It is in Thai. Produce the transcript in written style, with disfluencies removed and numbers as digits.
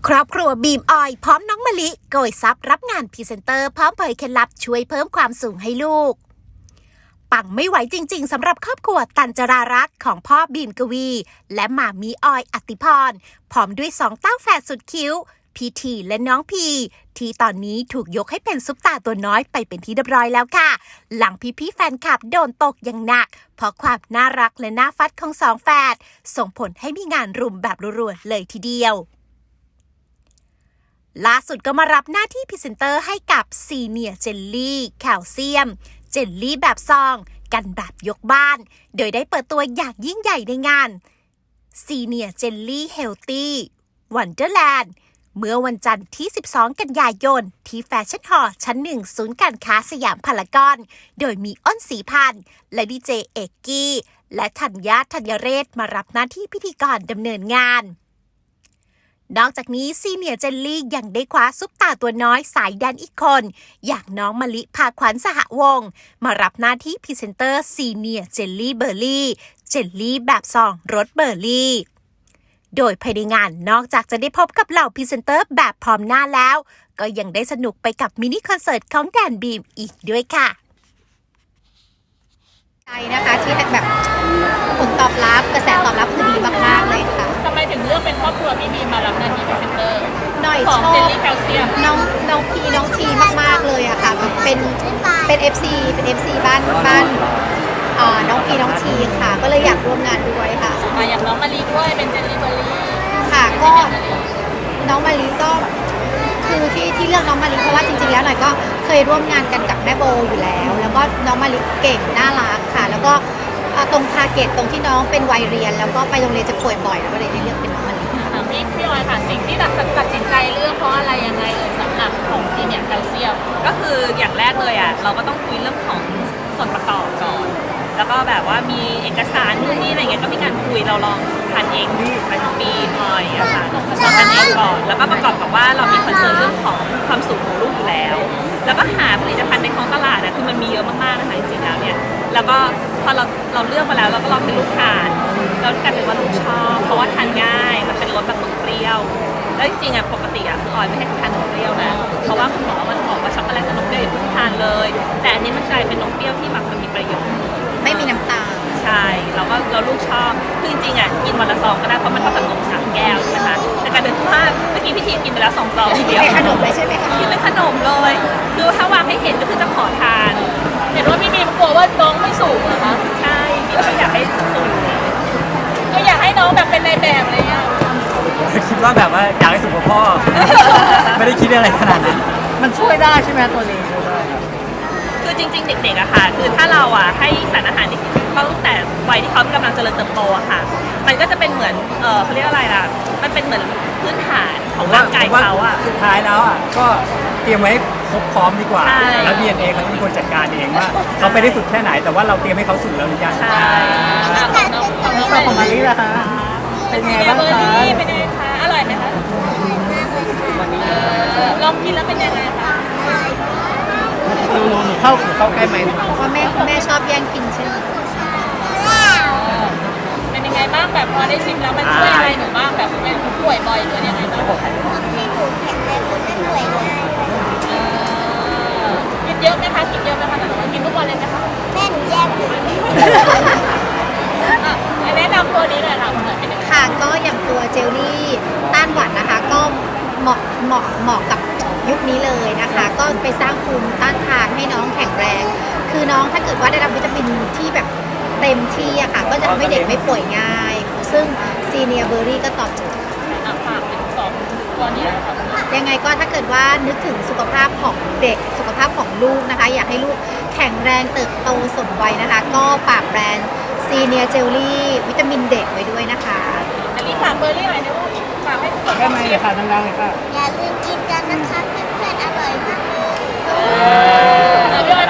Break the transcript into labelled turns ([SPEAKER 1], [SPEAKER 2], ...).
[SPEAKER 1] ครอบครัวบีมออยพร้อมน้องมะลิโกยทรัพย์รับงานพรีเซนเตอร์พร้อมเผยเคล็ดลับช่วยเพิ่มความสูงให้ลูกปังไม่ไหวจริงๆสำหรับครอบครัวตันจรารักษ์ของพ่อบีมกวีและหม่ามีออยอติพรพร้อมด้วย2เต้าแฝดสุดคิ้วพีทีและน้องพีที่ตอนนี้ถูกยกให้เป็นซุปตาตัวน้อยไปเป็นที่เรียบร้อยแล้วค่ะหลังพี่ๆแฟนคลับโดนตกอย่างหนักเพราะความน่ารักและน่าฟัดของ2แฝดส่งผลให้มีงานรุมแบบรัวๆเลยทีเดียวล่าสุดก็มารับหน้าที่พรีเซนเตอร์ให้กับซีเนียเจลลี่แคลเซียมเจลลี่แบบซองกันแบบยกบ้านโดยได้เปิดตัวอย่างยิ่งใหญ่ในงานซีเนียเจลลี่เฮลตี้วันเดอร์แลนด์เมื่อวันจันทร์ที่12กันยายนที่แฟชั่นฮอลล์ชั้น1ศูนย์การค้าสยามพารากอนโดยมีอ้นศรีพันธ์และดีเจเอกกี้และธัญญาธัญเรศมารับหน้าที่พิธีกรดำเนินงานนอกจากนี้ซีเนียร์เจลลี่ยังได้คว้าซุปตาตัวน้อยสายแดนอีกคนอย่างน้องมะลิภาขวัญสหวงศ์มารับหน้าที่พรีเซนเตอร์ซีเนียร์เจลลี่เบอร์รี่เจลลี่แบบซองรสเบอร์รี่โดยภายในงานนอกจากจะได้พบกับเหล่าพรีเซนเตอร์แบบพร้อมหน้าแล้วก็ยังได้สนุกไปกับมินิคอนเสิร์ตของแดนบีมอีกด้วยค่ะ
[SPEAKER 2] ใจนะคะที่แบบผลตอบรับกระแสตอบรับคือดีมากๆเลยค่ะ
[SPEAKER 3] ทำไมถึงเลือกเป็นครอบครัวพี่บีมารับหน้าที่พรีเซนเตอร์
[SPEAKER 2] หน่อย
[SPEAKER 3] ของ
[SPEAKER 2] ชอบ
[SPEAKER 3] เจลลี่แคลเซียม
[SPEAKER 2] น้องพีน้องทีมากๆเลยอะค่ะเป็น FC เป็น FC บ้านน้องพีน้องทีค่ะก็เลยอยากร่วมงานด้วยค่ะ
[SPEAKER 3] อย่างน้องมะลิด้วยเป็นเจลลี่เบอร์รี่
[SPEAKER 2] ค่ะก็น้องมะลิก็คือที่เลือกน้องมะลิเพราะว่าจริงๆแล้วหน่อยก็เคยร่วมงานกันกับแม่โบอยู่แล้วก็น้องมะลิเก่งน่ารักค่ะแล้วก็ตรงทาร์เก็ตตรงที่น้องเป็นวัยเรียนแล้วก็ไปโรงเรียนจะป่วยบ่อยแล้วก็เลยได้เลือกเป็นน้องมะลิ
[SPEAKER 3] พี่ออยค่ะสิ่งที่ตัดสินใจเลือกเพราะอะไรยังไงสำหรับของที่เนี่ยแคลเซียม
[SPEAKER 4] ก็คืออย่างแรกเลยอ่ะเราก็ต้องคุยเรื่องของส่วนประกอบก่อนแล้วก็แบบว่ามีเอกสารนู่นนี่อะไรเงี้ยก็มีการคุยเราลองทานเองไปทั้งปีหน่อยอะค่ะลองทานเองก่อนแล้วก็ประกอบกับว่าเรามีคอนเซิร์นเรื่องของความสุขของลูกอยู่แล้วแล้วก็หาผลิตภัณฑ์ในท้องตลาดอะคือมันมีเยอะมากๆนะคะจริงๆแล้วเนี่ยแล้วก็พอเราเลือกมาแล้วเราก็ลองให้ลูกทานแล้วกลายเป็นว่าลูกชอบเพราะว่าทานง่ายมันเป็นรสแบบนมเปรี้ยวแล้วจริงๆอะปกติอะคือออยไม่ให้ทานนมเปรี้ยวนะเพราะว่าคุณหมอมันบอกว่าช็อกโกแลตกับนมเปรี้ยวอย่าเพิ่งทานเลยแต่อันนี้มันกลายเป็นนมเปรี้ยวที่แบบมันมีประโยชน์
[SPEAKER 2] ไม่มีน้ำตาล
[SPEAKER 4] ใช่เราลูกชอบคือจริงๆอ่ะกินวันละซองก็ได้เพราะมันเท่ากับนม3 แก้วใช่ไหมคะแต่กลายเป็นว่าเมื่อกี้พี่ทีกินไปแล้ว2 ซองทีเดียว
[SPEAKER 2] เป็นขนมเลยใช่ไหมคะ
[SPEAKER 4] กินเป็นขนมเลยคือถ้าวางให้เห็นก็คือจะขอทาน
[SPEAKER 3] เห็นว่าพี่บีมกลัวว่าน้องไม่สูงเหรอคะ
[SPEAKER 4] ใช่พี่ก็อยากให้สูง
[SPEAKER 3] ก็อยากให้น้องแบบเป็นในแบบอะไรเงี้ย
[SPEAKER 5] คิดว่าแบบว่าอยากให้สูงกว่าพ่อ ไม่ได้คิดอะไรขนาดนั้นมันช่วยได้ใช่ไหมตัวนี้
[SPEAKER 4] คือจริงๆเด็กๆอะค่ะคือถ้าเราอะให้สารอาหารตั้งแต่วัยที่เขากำลังเจริญเติบโตอะค่ะมันก็จะเป็นเหมือนเขาเรียกอะไรล่ะมันเป็นเหมือนพื้นฐานของร่างกายเขาอะ
[SPEAKER 5] สุดท้ายแล้วอะก็เตรียมไว้ครบพร้อมดีกว่าแล้ว DNA เขาจะเป็นคนจัดการเองว่าเขาไปได้สุดแค่ไหนแต่ว่าเราเตรียมให้เขาสุดแล้วหรือยัง
[SPEAKER 4] ใช่
[SPEAKER 5] ของมาลีล่ะคะเป็นไงบ้างคะ
[SPEAKER 3] เป็นไงคะอร่อยไหมคะลองกินแล้วเป็นยังไงคะ
[SPEAKER 5] หนูเข้าใกล้ไหม
[SPEAKER 2] เพราะแม่ชอบแย่งกินใช่ไหม
[SPEAKER 3] เป็นยังไงบ้างแบบพอได้ชิมแล้วมันช่วยอะไรหนูบ้างแบบเป็นป่วยบ่อยหรือยังไงบ้าง
[SPEAKER 6] ให้หนูแข็งแรงไม่ป่วยง่าย
[SPEAKER 3] กินเยอะไหมคะกินเยอะไหมคะแต่ว่ากินทุกวันเลยไหมคะ
[SPEAKER 6] แม่หนูแย่ง
[SPEAKER 3] แนะนำตัวนี้เลยค่ะเป็นยังไง
[SPEAKER 2] ค่ะก็อย่างตัวเจลลี่ต้านหวัดนะคะก็เหมาะกับยุคนี้เลยนะคะก็ไปสร้างภูมิต้านทานให้น้องแข็งแรงคือน้องถ้าเกิดว่าได้รับวิตามินที่แบบเต็มที่อะค่ะก็จะทำให้เด็กไม่ป่วยง่ายซึ่งซีเนียเบอร์รี่ก็ตอบโจทย์
[SPEAKER 3] ฝากถึง2 ตัวนี้ค่ะ
[SPEAKER 2] ยังไงก็ถ้าเกิดว่านึกถึงสุขภาพของเด็กสุขภาพของลูกนะคะอยากให้ลูกแข็งแรงเติบโตสมวัยนะคะก็ฝากแบรนด์ซีเนียเจลลี่วิตามินเด็กไว้ด้วยนะคะ
[SPEAKER 3] อันนี้ฝากเบอร์รี่หน่อยนะลูกฝากให้ทุกคน
[SPEAKER 5] ได้ไหมเลยค่ะดังๆเลยค่ะ
[SPEAKER 6] อย่าลืมกินกันนะคะเพื่อนๆอร่อยมากเลย
[SPEAKER 3] พี่ออย